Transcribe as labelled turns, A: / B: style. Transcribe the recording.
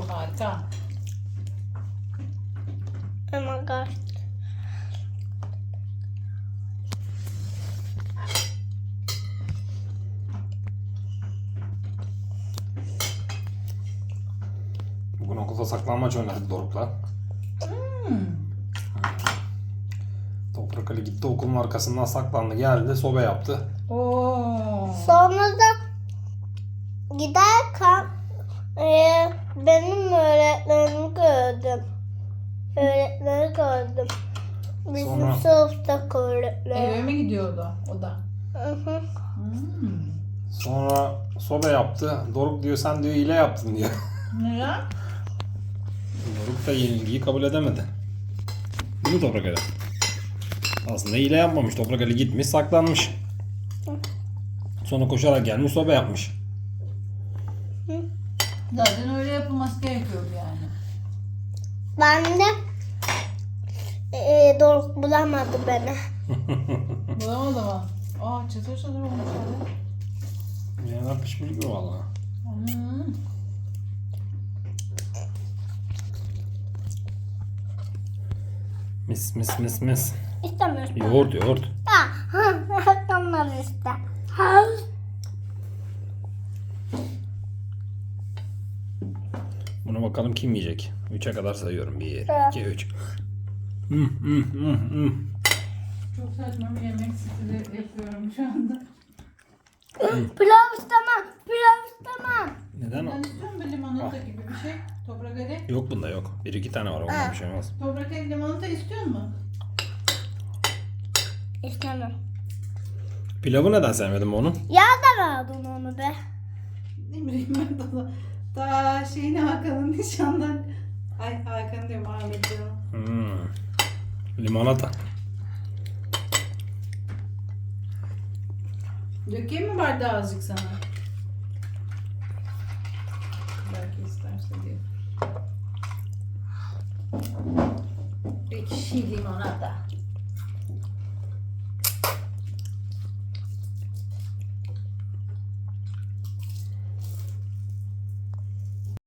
A: harika.
B: Oh my god.
C: Bugün okulda saklanmaç oynadık Doruk'la. Toprak Ali gitti okulun arkasından saklandı, geldi, sobe yaptı.
A: Oo.
B: Sonra da giderken benim öğretmenimi gördüm. Öğretmeni gördüm. Bizim
C: Sonra-
B: sınıftaki öğretmen.
A: Eve mi gidiyordu o da?
B: Hı hı.
C: Sonra sobe yaptı. Doruk diyor sen diyor hile yaptın diyor.
A: Neden?
C: Doruk da yenilgiyi kabul edemedi. Değil mi Toprak Ali? Aslında hile yapmamış. Toprak Ali gitmiş saklanmış. Sonra koşarak gelmiş sobe yapmış.
A: Zaten öyle yapılması gerekiyordu yani.
B: Ben de Doruk bulamadı beni.
A: Bulamadı mı? Aa çıtır çıtır olmuş abi.
C: Yener pişmiş gibi valla. Mis mis mis mis.
B: İstemiyorsun.
C: Yoğurt yoğurt.
B: Onlar işte.
C: Buna bakalım kim yiyecek. 3'e kadar sayıyorum. 1,
B: Evet.
C: 2, 3.
A: Çok saçma bir yemek stili yapıyorum şu anda.
B: Pilav istemem. Pilav istemem.
C: Neden o?
A: Ben istiyorum bir limonata gibi bir şey. Toprak Ali.
C: Yok bunda yok. 1-2 tane var. Ondan bir şey olmaz.
A: Toprak Ali limonata istiyor mu?
B: İstemem.
C: Pilavı neden sevmedin onu?
B: Ya da verdin onu be.
A: Ne bileyim ben daha şeyini Hakan'ın nişandan. Ay Hakan diyorum Ahmet canım.
C: Limonata.
A: Dökeyim mi bardağı azıcık sana? Belki isterse diye. Ekşi limonata.